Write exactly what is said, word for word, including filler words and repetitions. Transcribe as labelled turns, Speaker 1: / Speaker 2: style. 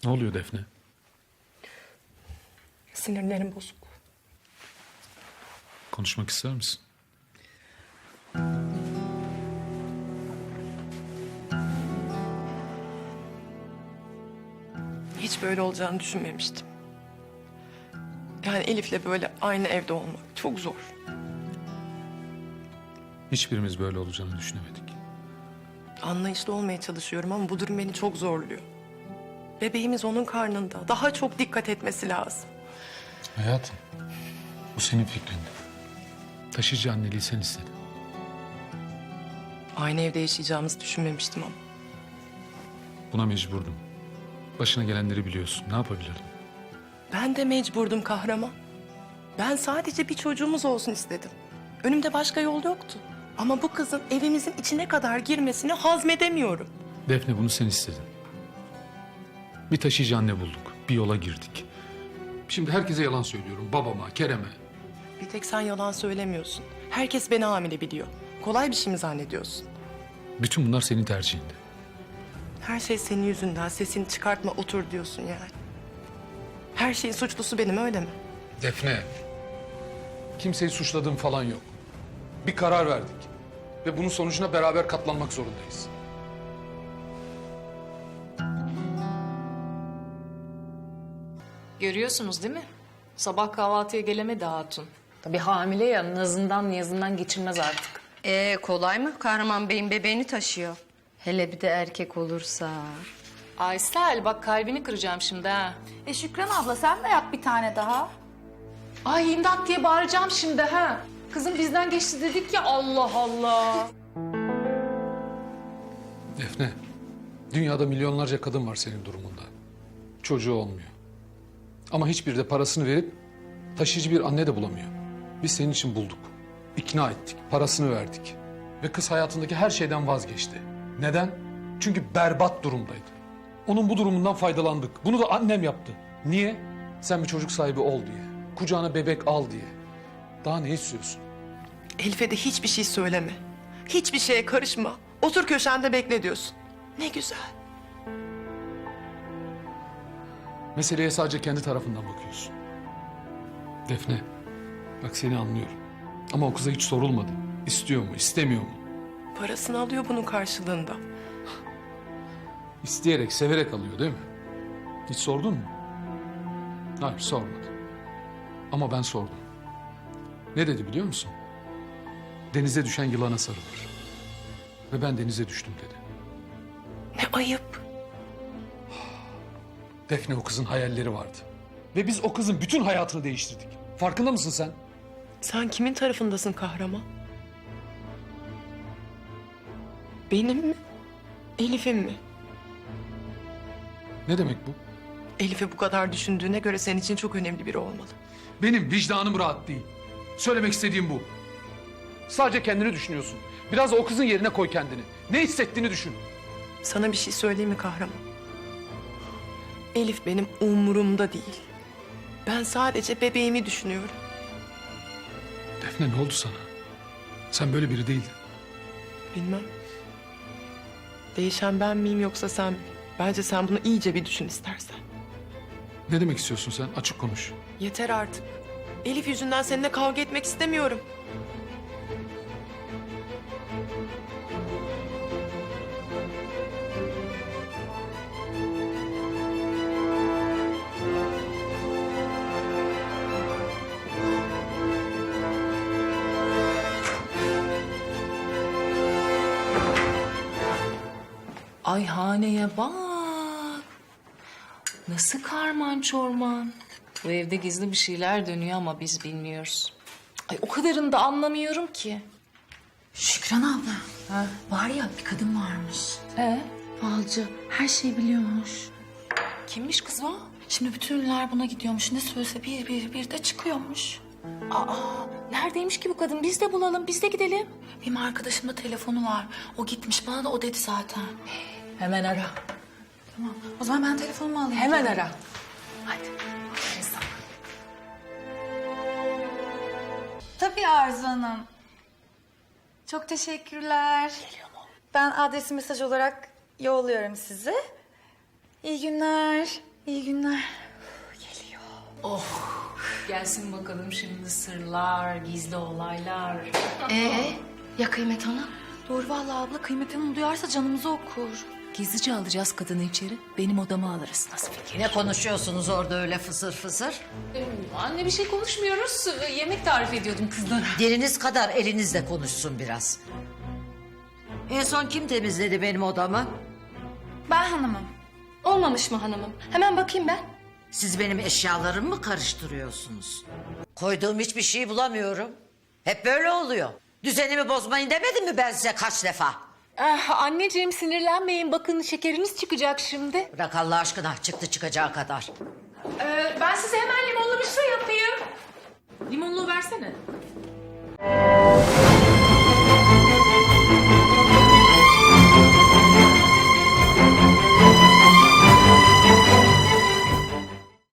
Speaker 1: Ne oluyor Defne?
Speaker 2: Sinirlerim bozuk.
Speaker 1: Konuşmak ister misin?
Speaker 2: Hiç böyle olacağını düşünmemiştim. Yani Elif'le böyle aynı evde olmak çok zor.
Speaker 1: Hiçbirimiz böyle olacağını düşünemedik.
Speaker 2: Anlayışlı olmaya çalışıyorum ama bu durum beni çok zorluyor. Bebeğimiz onun karnında. Daha çok dikkat etmesi lazım.
Speaker 1: Hayatım, bu senin fikrin. Taşıyıcı anneliği sen istedin.
Speaker 2: Aynı evde yaşayacağımızı düşünmemiştim ama.
Speaker 1: Buna mecburdum. Başına gelenleri biliyorsun. Ne yapabilirdim?
Speaker 2: Ben de mecburdum kahraman. Ben sadece bir çocuğumuz olsun istedim. Önümde başka yol yoktu. Ama bu kızın evimizin içine kadar girmesini hazmedemiyorum.
Speaker 1: Defne, bunu sen istedin. Bir taşıyıcı anne bulduk. Bir yola girdik. Şimdi herkese yalan söylüyorum. Babama, Kerem'e.
Speaker 2: Bir tek sen yalan söylemiyorsun. Herkes beni hamile biliyor. Kolay bir şey mi zannediyorsun?
Speaker 1: Bütün bunlar senin tercihinde.
Speaker 2: Her şey senin yüzünden. Sesini çıkartma, otur diyorsun yani. Her şeyin suçlusu benim, öyle mi?
Speaker 1: Defne. Kimseyi suçladığım falan yok. Bir karar verdik. Ve bunun sonucuna beraber katlanmak zorundayız.
Speaker 3: Görüyorsunuz değil mi? Sabah kahvaltıya gelemedi hatun. Tabii hamile ya, nazından niyazından geçilmez artık.
Speaker 4: Ee, kolay mı? Kahraman Bey'in bebeğini taşıyor.
Speaker 3: Hele bir de erkek olursa. Aysel bak kalbini kıracağım şimdi ha.
Speaker 5: E Şükran abla sen de yap bir tane daha.
Speaker 3: Ay imdat diye bağıracağım şimdi ha. Kızım bizden geçti dedik ya, Allah Allah.
Speaker 1: Defne, dünyada milyonlarca kadın var senin durumunda. Çocuğu olmuyor. Ama hiçbiri de parasını verip taşıyıcı bir anne de bulamıyor. Biz senin için bulduk. İkna ettik, parasını verdik. Ve kız hayatındaki her şeyden vazgeçti. Neden? Çünkü berbat durumdaydı. Onun bu durumundan faydalandık. Bunu da annem yaptı. Niye? Sen bir çocuk sahibi ol diye. Kucağına bebek al diye. Daha ne istiyorsun?
Speaker 2: Elif'e de hiçbir şey söyleme. Hiçbir şeye karışma. Otur köşende bekle diyorsun. Ne güzel.
Speaker 1: Meseleye sadece kendi tarafından bakıyorsun. Defne, bak seni anlıyorum. Ama o kıza hiç sorulmadı. İstiyor mu, istemiyor mu?
Speaker 2: Parasını alıyor bunun karşılığında.
Speaker 1: İsteyerek, severek alıyor değil mi? Hiç sordun mu? Hayır, sormadı. Ama ben sordum. Ne dedi biliyor musun? Denize düşen yılana sarılır. Ve ben denize düştüm dedi.
Speaker 2: Ne ayıp.
Speaker 1: Defne, o kızın hayalleri vardı. Ve biz o kızın bütün hayatını değiştirdik. Farkında mısın sen?
Speaker 2: Sen kimin tarafındasın kahraman? Benim mi? Elif'in mi?
Speaker 1: Ne demek bu?
Speaker 2: Elif'i bu kadar düşündüğüne göre senin için çok önemli biri olmalı.
Speaker 1: Benim vicdanım rahat değil. Söylemek istediğim bu. Sadece kendini düşünüyorsun. Biraz da o kızın yerine koy kendini. Ne hissettiğini düşün.
Speaker 2: Sana bir şey söyleyeyim mi kahraman? Elif benim umurumda değil. Ben sadece bebeğimi düşünüyorum.
Speaker 1: Defne, ne oldu sana? Sen böyle biri değildin.
Speaker 2: Bilmem. Değişen ben miyim yoksa sen mi? Bence sen bunu iyice bir düşün istersen.
Speaker 1: Ne demek istiyorsun sen? Açık konuş.
Speaker 2: Yeter artık. Elif yüzünden seninle kavga etmek istemiyorum.
Speaker 3: Ay haneye bak. Nasıl karman çorman. Bu evde gizli bir şeyler dönüyor ama biz bilmiyoruz. Ay o kadarını da anlamıyorum ki.
Speaker 5: Şükran abla.
Speaker 3: Ha?
Speaker 5: Var ya bir kadın varmış.
Speaker 3: Ee?
Speaker 5: Falcı. Her şeyi biliyormuş.
Speaker 3: Kimmiş kız o?
Speaker 5: Şimdi bütün ünlüler buna gidiyormuş. Ne söylese bir bir bir de çıkıyormuş.
Speaker 3: Aa, neredeymiş ki bu kadın? Biz de bulalım, biz de gidelim.
Speaker 5: Benim arkadaşımda telefonu var. O gitmiş. Bana da o dedi zaten.
Speaker 3: Hemen ara.
Speaker 5: Tamam. O zaman ben telefonumu alayım.
Speaker 3: Hemen ara.
Speaker 5: Hadi. Aferin sana. Tabii Arzu Hanım. Çok teşekkürler. Geliyor mu? Ben adresi mesaj olarak yolluyorum size. İyi günler. İyi günler.
Speaker 3: Gelsin bakalım şimdi sırlar, gizli olaylar.
Speaker 4: Ee, ya Kıymet Hanım?
Speaker 5: Doğru vallahi abla, Kıymet Hanım duyarsa canımızı okur.
Speaker 3: Gizlice alacağız kadını içeri. Benim odama alırız. Nasıl fikir?
Speaker 6: Ne konuşuyorsunuz orada öyle fısır fısır?
Speaker 3: Anne bir şey konuşmuyoruz. Yemek tarif ediyordum kızlara.
Speaker 6: Diliniz kadar elinizle konuşsun biraz. En son kim temizledi benim odamı?
Speaker 5: Ben hanımım.
Speaker 4: Olmamış mı hanımım? Hemen bakayım ben.
Speaker 6: Siz benim eşyalarımı mı karıştırıyorsunuz? Koyduğum hiçbir şey bulamıyorum. Hep böyle oluyor. Düzenimi bozmayın demedim mi ben size kaç defa?
Speaker 3: Ah, anneciğim sinirlenmeyin. Bakın şekeriniz çıkacak şimdi.
Speaker 6: Bırak Allah aşkına, çıktı çıkacağı kadar.
Speaker 3: Ee, ben size hemen limonlu bir su yapayım. Limonlu versene.